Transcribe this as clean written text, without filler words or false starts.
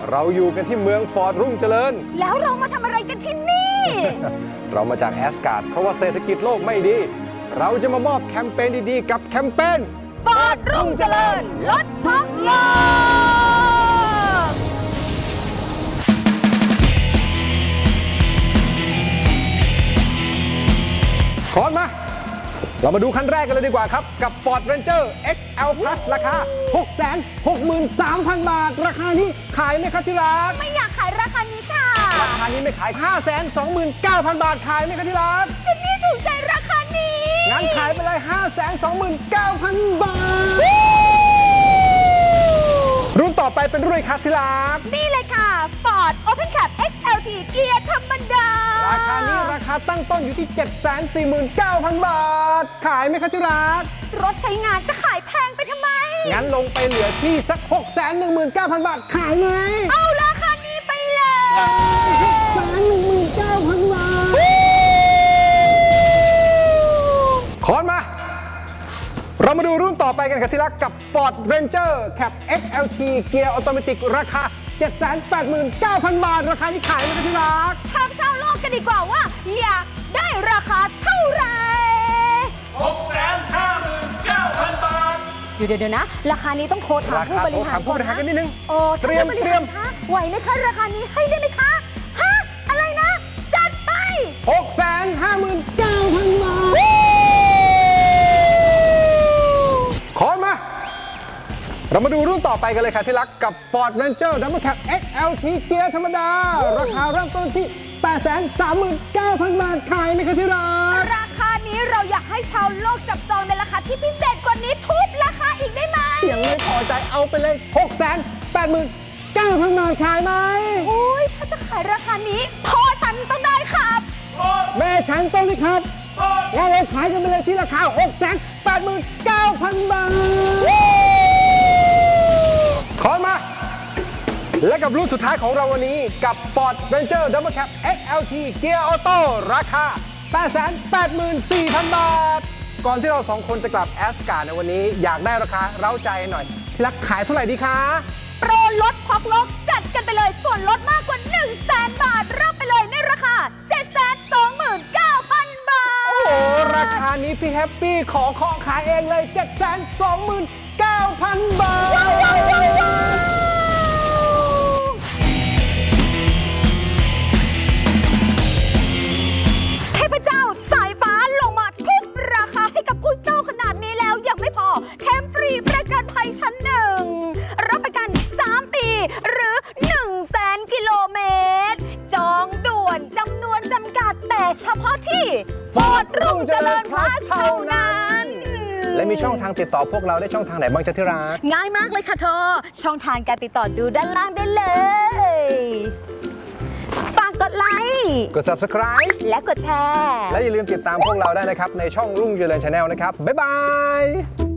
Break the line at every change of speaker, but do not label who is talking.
เราอยู่กันที่เมืองฟอร์ดรุ่งเจริญ
แล้วเรามาทำอะไรกันที่นี่
เรามาจากแอสการ์ดเพราะว่าเศรษฐกิจโลกไม่ดีเราจะมามอบแคมเปญดีๆกับแคมเปญ
ฟอร์ดรุ่งเจริญลดช็อคโลก
ขอมาเรามาดูคันแรกกันเลยดีกว่าครับกับ Ford Ranger XL Plus ราคา 663,000 บาทราคานี้ขายไหมครับที่รัก
ไม่อยากขายราคานี้ค่ะ
ราคานี้ไม่ขาย 529,000 บาทขายไหมครับที่รัก
เจนนี่ถูกใจราคานี้
งั้นขายไปเลย 529,000 บาทรุ่นต่อไปเป็นรุ่นครับที่รัก
นี่เลยค่ะ Ford Open Cab XLT เกียร์ธรรมดา
ราคานี้ราคาตั้งต้นอยู่ที่ 749,000 บาทขายไหมครับที่รัก
รถใช้งานจะขายแพงไปทำไม
งั้นลงไปเหลือที่สัก 619,000 บาทขายไหม
เอาราคานี้ไปเลย
619,000 บาทขอนมาเรามาดูรุ่นต่อไปกันครับที่รักกับ Ford Ranger Cab XLT เกียร์ออโตเมติกราคา 789,000 บาทราคาที่ขายไหมครับที่รัก
ถามชาวโลกกันดีกว่าว่าอยากได้ราคาเท่าไหร่
659,000 บาท
เดี๋ยวนะราคานี้ต้องโทรถามผู้บริหารก่อนนะ
กันนิดนึง
เตรียมไหวไหมคะราคานี้ให้ได้ไหมคะฮะอะไรนะจัดไป
659,000 บาทขอมาเรามาดูรุ่นต่อไปกันเลยค่ะที่รักกับ Ford Ranger Double Cab XLT เกียร์ธรรมดาราคาเริ่มต้นที่ 839,000 บาทขายไหมคะที่รัก
ราคานี้เราอยากให้ชาวโลกจับจองในราคาที่พิเศษกว่านี้ทุบราคาอีกได้ไหม
ยังไม่พอใจเอาไปเลย 689,000 บาทขายไหม
โอ้ยถ้าจะขายราคานี้พ่อฉันต้องได้ครับ
แม่ฉันต้องได้ครับแล้วเราขายกันไปเลยที่ราคา 689,000 บาทขอมาและกับรุ่นสุดท้ายของเราวันนี้กับ Ford Ranger Double Cab XLT เกียร์ออโต้ราคา 884,000 บาทก่อนที่เราสองคนจะกลับแอสการ์ดในวันนี้อยากได้ราคาเร้าใจหน่อยที่รักขายเท่าไหร่ดีคะ
โปรลดช็อคโลกจัดกันไปเลยส่วนลดมากกว่า 100,000 บาทรับไปเลยในราคา 729,000 บาท
โอ้โหราคานี้พี่แฮปปี้ขอขายเองเลย 729,000 บาท
เทพเจ้าสายฟ้าลงมาทุบราคาให้กับผู้เจ้าขนาดนี้แล้วยังไม่พอแถมฟรีประกันภัยชั้นหนึ่งรับประกัน 3 ปีหรือ 100,000 กิโลเมตรจองด่วนจำนวนจำกัดแต่เฉพาะที่ Ford รุ่งเจริญ Plus เท่านั้น
และมีช่องทางติดต่อพวกเราได้ช่องทางไหนบ้างจ๊ะที่รัก
ง่ายมากเลยค่ะเธอช่องทางการติดต่อดูด้านล่างได้เลย ฝากกดไลค์
กด Subscribe
และกดแชร์
และอย่าลืมติดตามพวกเราได้นะครับในช่องรุ่งเจริญ Channel นะครับบ๊ายบาย